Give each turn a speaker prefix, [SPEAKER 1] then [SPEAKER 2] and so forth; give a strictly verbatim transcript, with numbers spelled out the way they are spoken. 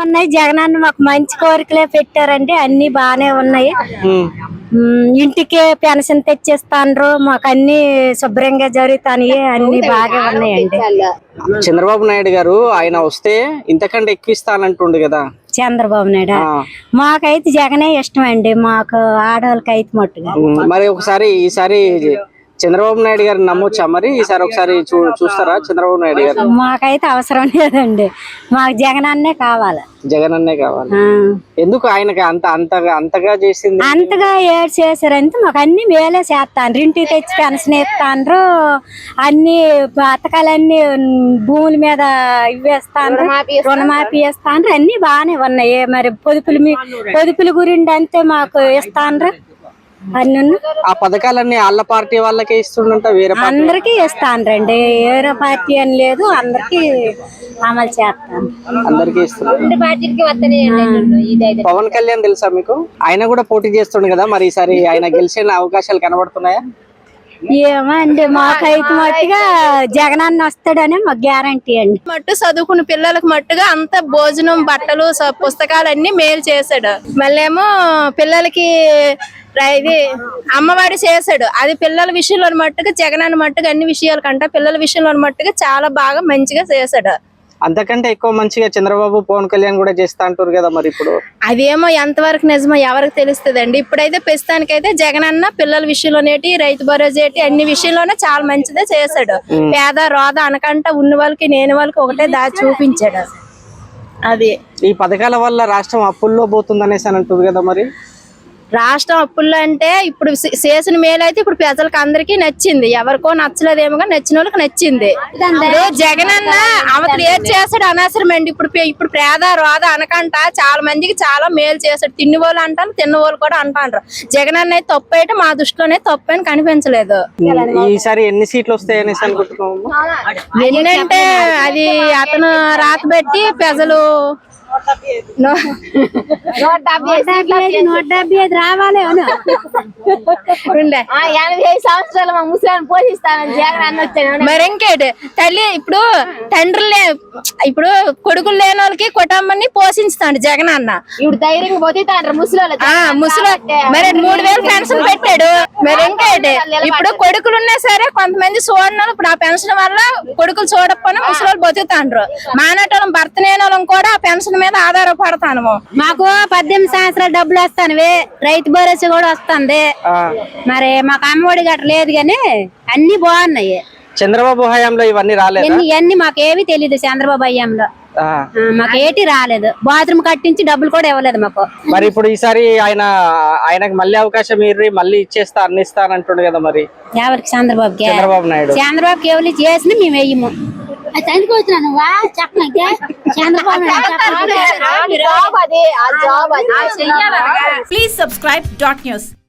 [SPEAKER 1] ఉన్నాయి. జగనన్న మాకు మంచి కోరికలే పెట్టారండి, అన్ని బానే ఉన్నాయి. ఇంటికి పెన్షన్ తెచ్చిస్తాండ్రు, మాకు అన్ని శుభ్రంగా జరుగుతాయి, అన్ని బాగా ఉన్నాయండి.
[SPEAKER 2] చంద్రబాబు నాయుడు గారు ఆయన వస్తే ఇంతకంటే ఎక్కువ ఇస్తానంటుండు కదా
[SPEAKER 1] చంద్రబాబు నాయుడు. మాకైతే జగనే ఇష్టం అండి, మాకు ఆడవాళ్ళకి అయితే మట్టుగా.
[SPEAKER 2] మరి ఒకసారి ఈసారి చంద్రబాబు నాయుడు గారు నమ్మొచ్చా? మరి ఈసారి ఒకసారి చూ చూస్తారా చంద్రబాబు నాయుడు గారు?
[SPEAKER 1] మాకైతే అవసరం లేదండి, మాకు జగన్ అన్నే కావాలి.
[SPEAKER 2] జగన్ అన్నే కావాలి. ఎందుకు ఆయనకి అంత అంతగా అంతగా చేసింది?
[SPEAKER 1] అంతగా ఏడు చేశారంటే మాకు అన్ని మేలే చేస్తాను. ఇంటికి తెచ్చి పెన్షన్ ఇస్తాండ్రు, అన్ని పథకాలన్నీ భూముల మీద ఇవేస్తాను, రుణమాఫీ ఇస్తాండ్రు, అన్ని బాగానే ఉన్నాయి. మరి పొదుపులు పొదుపుల గురించి అంతే మాకు ఇస్తాండ్రు.
[SPEAKER 2] ఆ పథకాలన్నీ వాళ్ళ పార్టీ వాళ్ళకే ఇస్తుండంట, వేరే
[SPEAKER 1] అందరికి ఇస్తాండ్రండి, వేరే పార్టీ అని లేదు, అందరికి అమలు చేస్తాను,
[SPEAKER 2] అందరికి ఇస్తున్నారు. పవన్ కళ్యాణ్ తెలుసా మీకు? ఆయన కూడా పోటీ చేస్తుండు కదా, మరి ఈసారి ఆయన గెలిచే అవకాశాలు కనబడుతున్నాయా?
[SPEAKER 1] ఏమో అండి, మాకైతే మట్టుగా జగనన్న వస్తాడని మాకు గ్యారంటీ అండి.
[SPEAKER 3] మట్టు చదువుకున్న పిల్లలకు మట్టుగా అంత భోజనం, బట్టలు, పుస్తకాలు అన్ని మేలు చేశాడు. మళ్ళేమో పిల్లలకి ఇది అమ్మవాడి చేశాడు. అది పిల్లల విషయంలో మట్టుగా జగనన్న మట్టుగా అన్ని విషయాల కంటే పిల్లల విషయంలో మట్టుగా చాలా బాగా మంచిగా చేశాడు.
[SPEAKER 2] అంతకంటే ఎక్కువ మంచిగా చంద్రబాబు పవన్ కళ్యాణ్ కూడా చేస్తా అంటారు కదా, మరి ఇప్పుడు
[SPEAKER 3] అదేమో ఎంతవరకు నిజమో ఎవరికి తెలుస్తుంది అండి. ఇప్పుడైతే ప్రస్తుతానికైతే జగనన్న పిల్లల విషయంలోనేటి, రైతు భరోసా ఏంటి, అన్ని విషయంలోనే చాలా మంచిదే చేశాడు. పేద రోద అనకంట ఉన్న వాళ్ళకి నేను వాళ్ళకి ఒకటే దారి చూపించాడు. అది
[SPEAKER 2] ఈ పథకాల వల్ల రాష్ట్రం అప్పుల్లో పోతుంది అనేసి అని అంటుంది కదా, మరి
[SPEAKER 3] రాష్ట్రం అప్పుల్లో అంటే ఇప్పుడు చేసిన మేలు అయితే ఇప్పుడు ప్రజలకు అందరికీ నచ్చింది, ఎవరికో నచ్చలేదేమో నచ్చిన వాళ్ళకి నచ్చింది. జగనన్న అవతలు ఏది చేస్తాడు అనవసరం అండి. ఇప్పుడు ఇప్పుడు పేద రోద అనకంట చాలా మందికి చాలా మేలు చేస్తాడు. తిన్ని వాళ్ళు అంటారు, తిన్న వాళ్ళు కూడా అంటారు. జగనన్న అయితే తప్పు అయితే మా దృష్టిలోనే తప్పు అని కనిపించలేదు.
[SPEAKER 2] ఈసారి ఎన్ని సీట్లు వస్తాయి అనేసి అనుకుంటున్నాము.
[SPEAKER 3] ఎన్నంటే అది అతను రాత పెట్టి ప్రజలు
[SPEAKER 1] నూట డెబ్బై ఐదు రావాలి.
[SPEAKER 3] ఎనభై సంవత్సరాలు మా ముసలాన్ని పోషిస్తానని జగన్ అన్న వచ్చాను. మరి ఇంకేటి తల్లి, ఇప్పుడు తండ్రులు ఇప్పుడు కొడుకులు లేని వాళ్ళకి కుటుంబాన్ని పోషిస్తాడు జగన్ అన్న. ఇప్పుడు ధైర్యంగా పోతే ముసలి ముసలి మరి మూడు వేలు పెన్షన్ పెట్టాడు. మరి ఇంకేటి ఇప్పుడు కొడుకులు ఉన్నా సరే కొంతమంది చూడను, ఇప్పుడు ఆ పెన్షన్ వల్ల కొడుకులు చూడకపోయినా ముసలి బతుకుతాండ్రు. మానటోళ్ళం భర్త లేని వాళ్ళం కూడా ఆ పెన్షన్ మీద ఆధారపడతాను.
[SPEAKER 1] మాకు పద్దెనిమిది సంవత్సరాలు డబ్బులు వస్తాను, రైతు భరోసా కూడా వస్తుంది. మరి మాకు అమ్మఒడి గట్ట లేదు, కానీ అన్ని బాగున్నాయి.
[SPEAKER 2] చంద్రబాబు హయాంలో ఇవన్నీ రాలేదు.
[SPEAKER 1] ఇవన్నీ మాకు ఏవి తెలీదు. చంద్రబాబు హయాంలో మాకు ఏటి రాలేదు. బాత్రూమ్ కట్టించి డబ్బులు కూడా ఇవ్వలేదు మాకు.
[SPEAKER 2] మరి ఇప్పుడు ఈసారి ఆయన ఆయనకు మళ్ళీ అవకాశం ఇర్రి మళ్ళీ ఇచ్చేస్తా అన్ని ఇస్తా అంటుండు కదా, మరి ఎవరికి?
[SPEAKER 1] చంద్రబాబుకి.
[SPEAKER 2] చంద్రబాబు నాయుడు
[SPEAKER 1] చంద్రబాబుకి ఎవరు చేసిన మేము వేయము.
[SPEAKER 4] Please subscribe dot news.